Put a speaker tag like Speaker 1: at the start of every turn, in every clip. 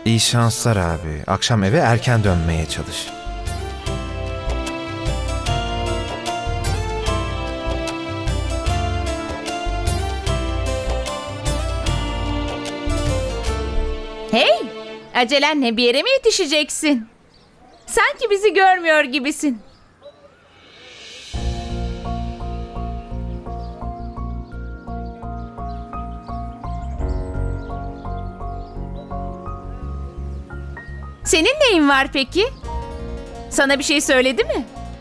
Speaker 1: İyi şanslar abi. Akşam eve erken dönmeye çalış.
Speaker 2: Hey, acelenle bir yere mi yetişeceksin? Sanki bizi görmüyor gibisin. Senin neyin var peki? Sana bir şey söyledi mi?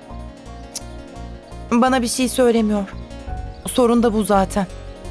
Speaker 3: Bana bir şey söylemiyor. Sorun da bu zaten.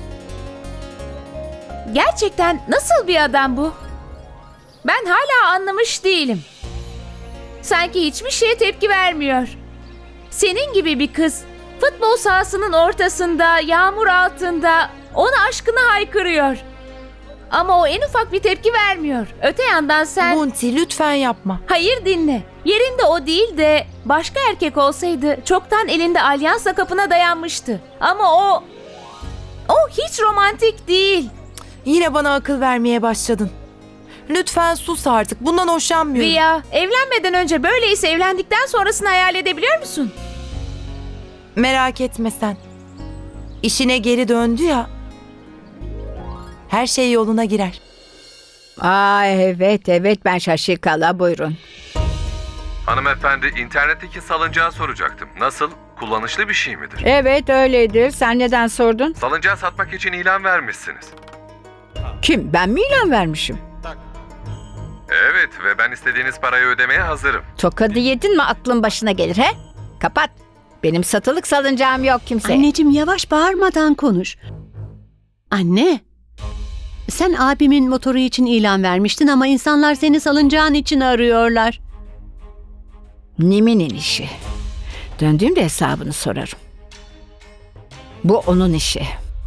Speaker 2: Gerçekten nasıl bir adam bu? Ben hala anlamış değilim. Sanki hiçbir şeye tepki vermiyor. Senin gibi bir kız futbol sahasının ortasında, yağmur altında ona aşkını haykırıyor. Ama o en ufak bir tepki vermiyor. Öte yandan sen...
Speaker 3: Bunti lütfen yapma.
Speaker 2: Hayır dinle. Yerinde o değil de başka erkek olsaydı çoktan elinde alyansla kapına dayanmıştı. Ama o hiç romantik değil.
Speaker 3: Yine bana akıl vermeye başladın. Lütfen sus artık. Bundan hoşlanmıyorum.
Speaker 2: Riya, evlenmeden önce böyleyse evlendikten sonrasını hayal edebiliyor musun?
Speaker 3: Merak etme sen. İşine geri döndü ya. Her şey yoluna girer.
Speaker 4: Aa evet ben Şaşikala buyurun.
Speaker 5: Hanımefendi, internetteki salıncağı soracaktım. Nasıl? Kullanışlı bir şey midir?
Speaker 4: Evet öyledir. Sen neden sordun?
Speaker 5: Salıncağı satmak için ilan vermişsiniz.
Speaker 4: Kim? Ben mi ilan vermişim?
Speaker 5: Evet ve ben istediğiniz parayı ödemeye hazırım.
Speaker 4: Tokadı yedin mi aklın başına gelir he? Kapat. Benim satılık salıncağım yok kimse.
Speaker 6: Anneciğim yavaş bağırmadan konuş. Anne, sen abimin motoru için ilan vermiştin ama insanlar seni salıncağın için arıyorlar.
Speaker 4: Nimin'in işi. Döndüğümde hesabını sorarım. Bu onun işi.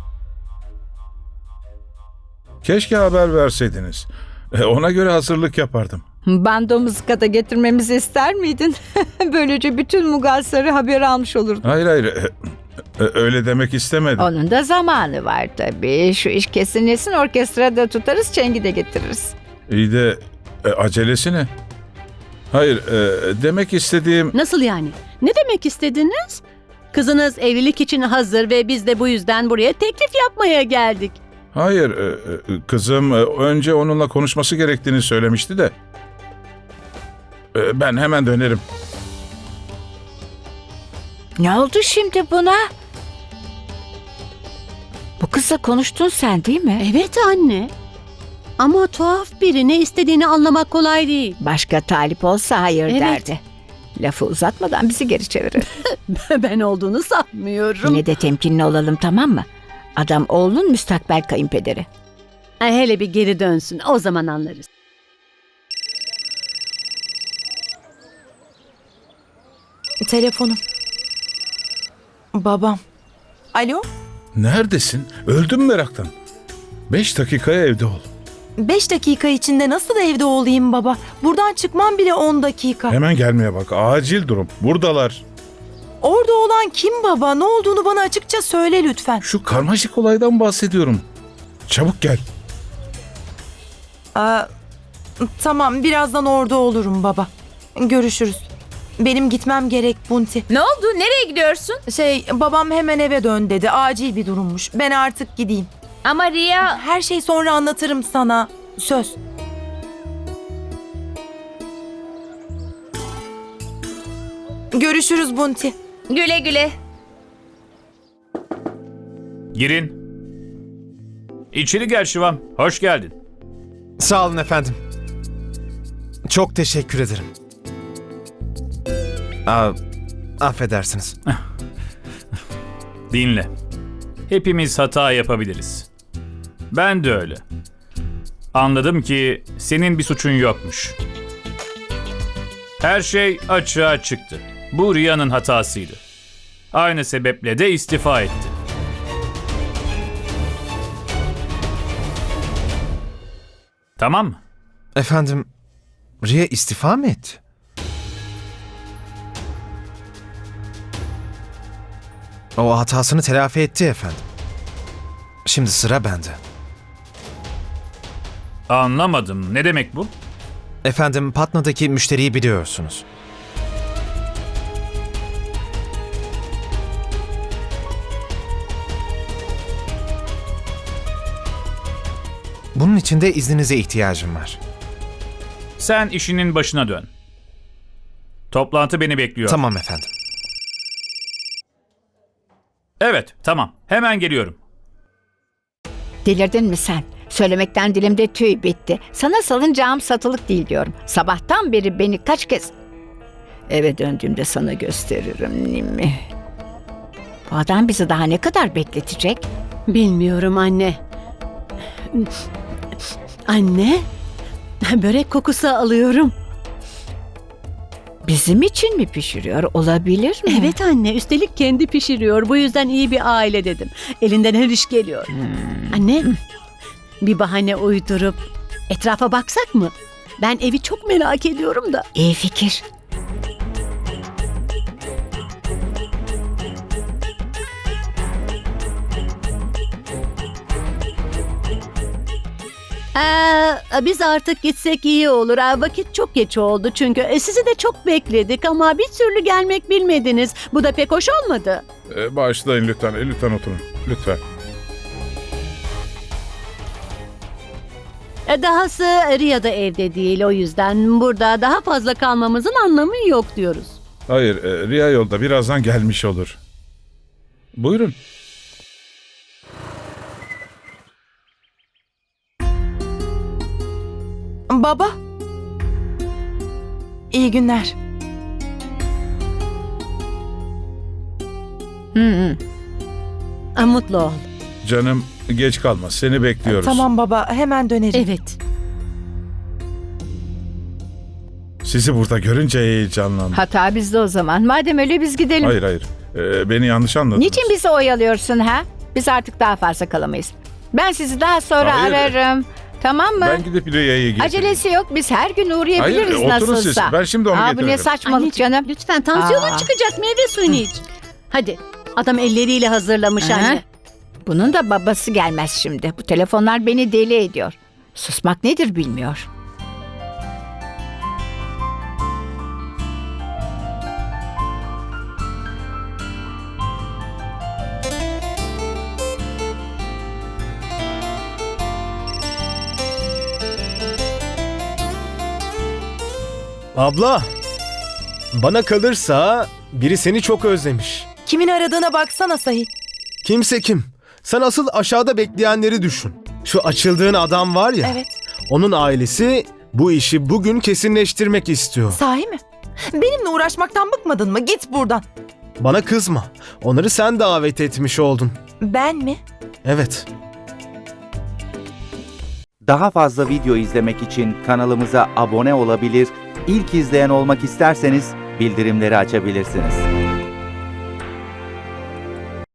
Speaker 7: Keşke haber verseydiniz. Ona göre hazırlık yapardım.
Speaker 4: Bando mızıkada getirmemizi ister miydin? Böylece bütün Mugasları haber almış olurdun.
Speaker 7: Hayır. Öyle demek istemedim.
Speaker 4: Onun da zamanı var tabii. Şu iş kesinleşsin, orkestrada tutarız, çengi de getiririz.
Speaker 7: İyi de acelesi ne? Hayır, demek istediğim...
Speaker 6: Nasıl yani? Ne demek istediniz? Kızınız evlilik için hazır ve biz de bu yüzden buraya teklif yapmaya geldik.
Speaker 7: Hayır, kızım önce onunla konuşması gerektiğini söylemişti de. Ben hemen dönerim.
Speaker 4: Ne oldu şimdi buna? Bu kızla konuştun sen değil mi?
Speaker 6: Evet anne. Ama tuhaf biri, ne istediğini anlamak kolay değil.
Speaker 4: Başka talip olsa hayır
Speaker 6: Evet.
Speaker 4: derdi. Lafı uzatmadan bizi geri çevirir.
Speaker 6: Ben olduğunu sanmıyorum.
Speaker 4: Yine de temkinli olalım tamam mı? Adam oğlunun müstakbel kayınpederi.
Speaker 6: Hele bir geri dönsün, o zaman anlarız.
Speaker 3: Telefonum. Babam. Alo?
Speaker 7: Neredesin? Öldüm meraktan. 5 dakikaya evde ol.
Speaker 3: 5 dakika içinde nasıl evde olayım baba? Buradan çıkmam bile 10 dakika.
Speaker 7: Hemen gelmeye bak. Acil durum. Buradalar.
Speaker 3: Orada olan kim baba? Ne olduğunu bana açıkça söyle lütfen.
Speaker 7: Şu karmaşık olaydan bahsediyorum. Çabuk gel.
Speaker 3: Tamam, birazdan orada olurum baba. Görüşürüz. Benim gitmem gerek Bunti.
Speaker 2: Ne oldu? Nereye gidiyorsun?
Speaker 3: Babam hemen eve dön dedi. Acil bir durummuş. Ben artık gideyim.
Speaker 2: Ama Riya...
Speaker 3: Her şeyi sonra anlatırım sana. Söz. Görüşürüz Bunti.
Speaker 2: Güle güle.
Speaker 8: Girin. İçeri gel Şivam. Hoş geldin.
Speaker 1: Sağ olun efendim. Çok teşekkür ederim. Affedersiniz.
Speaker 8: Dinle. Hepimiz hata yapabiliriz. Ben de öyle. Anladım ki senin bir suçun yokmuş. Her şey açığa çıktı. Bu Riya'nın hatasıydı. Aynı sebeple de istifa etti. Tamam mı?
Speaker 1: Efendim, Riya istifa mı etti? O hatasını telafi etti efendim. Şimdi sıra bende.
Speaker 8: Anlamadım. Ne demek bu?
Speaker 1: Efendim, Patna'daki müşteriyi biliyorsunuz. Bunun için de izninize ihtiyacım var.
Speaker 8: Sen işinin başına dön. Toplantı beni bekliyor.
Speaker 1: Tamam efendim.
Speaker 8: Evet, tamam. Hemen geliyorum.
Speaker 4: Delirdin mi sen? Söylemekten dilimde tüy bitti. Sana salıncağım satılık değil diyorum. Sabahtan beri beni kaç kez... Eve döndüğümde sana gösteririm Nimi. Bu adam bizi daha ne kadar bekletecek?
Speaker 6: Bilmiyorum anne. Anne, börek kokusu alıyorum.
Speaker 4: Bizim için mi pişiriyor? Olabilir mi?
Speaker 6: Evet anne, üstelik kendi pişiriyor. Bu yüzden iyi bir aile dedim. Elinden her iş geliyor. Anne, bir bahane uydurup etrafa baksak mı? Ben evi çok merak ediyorum da.
Speaker 4: İyi fikir.
Speaker 6: Biz artık gitsek iyi olur. Vakit çok geç oldu çünkü. Sizi de çok bekledik ama bir türlü gelmek bilmediniz. Bu da pek hoş olmadı.
Speaker 7: Bağışlayın lütfen. Lütfen oturun. Lütfen.
Speaker 6: Dahası Riya da evde değil, o yüzden burada daha fazla kalmamızın anlamı yok diyoruz.
Speaker 7: Hayır, Riya yolda birazdan gelmiş olur. Buyurun.
Speaker 3: Baba. İyi günler.
Speaker 6: Mutlu ol.
Speaker 7: Canım geç kalma. Seni bekliyoruz.
Speaker 3: Tamam baba, hemen dönerim.
Speaker 6: Evet.
Speaker 7: Sizi burada görünce heyecanlandım.
Speaker 4: Hata bizde o zaman. Madem öyle biz gidelim.
Speaker 7: Hayır hayır. Beni yanlış anladınız.
Speaker 4: Niçin bizi oyalıyorsun ha? Biz artık daha fazla kalamayız. Ben sizi daha sonra
Speaker 7: Hayır.
Speaker 4: ararım. Tamam mı?
Speaker 7: Ben gidip Riya'yı getireyim.
Speaker 4: Acelesi yok. Biz her gün uğrayabiliriz
Speaker 7: Hayır, oturun
Speaker 4: nasılsa.
Speaker 7: siz. Ben şimdi onu
Speaker 4: Bu ne
Speaker 7: getiririm.
Speaker 4: saçmalık
Speaker 6: Anneciğim,
Speaker 4: canım.
Speaker 6: lütfen tansiyonun
Speaker 4: Aa.
Speaker 6: çıkacak, meyve suyunu iç. Hadi, adam elleriyle hazırlamış
Speaker 4: Aha.
Speaker 6: anne.
Speaker 4: Bunun da babası gelmez şimdi. Bu telefonlar beni deli ediyor. Susmak nedir bilmiyor.
Speaker 9: Abla, bana kalırsa biri seni çok özlemiş.
Speaker 3: Kimin aradığına baksana Sahi.
Speaker 9: Kimse kim? Sen asıl aşağıda bekleyenleri düşün. Şu açıldığın adam var ya,
Speaker 3: Evet.
Speaker 9: onun ailesi bu işi bugün kesinleştirmek istiyor.
Speaker 3: Sahi mi? Benimle uğraşmaktan bıkmadın mı? Git buradan.
Speaker 9: Bana kızma. Onları sen davet etmiş oldun.
Speaker 3: Ben mi?
Speaker 9: Evet.
Speaker 10: Daha fazla video izlemek için kanalımıza abone olabilir, ilk izleyen olmak isterseniz bildirimleri açabilirsiniz.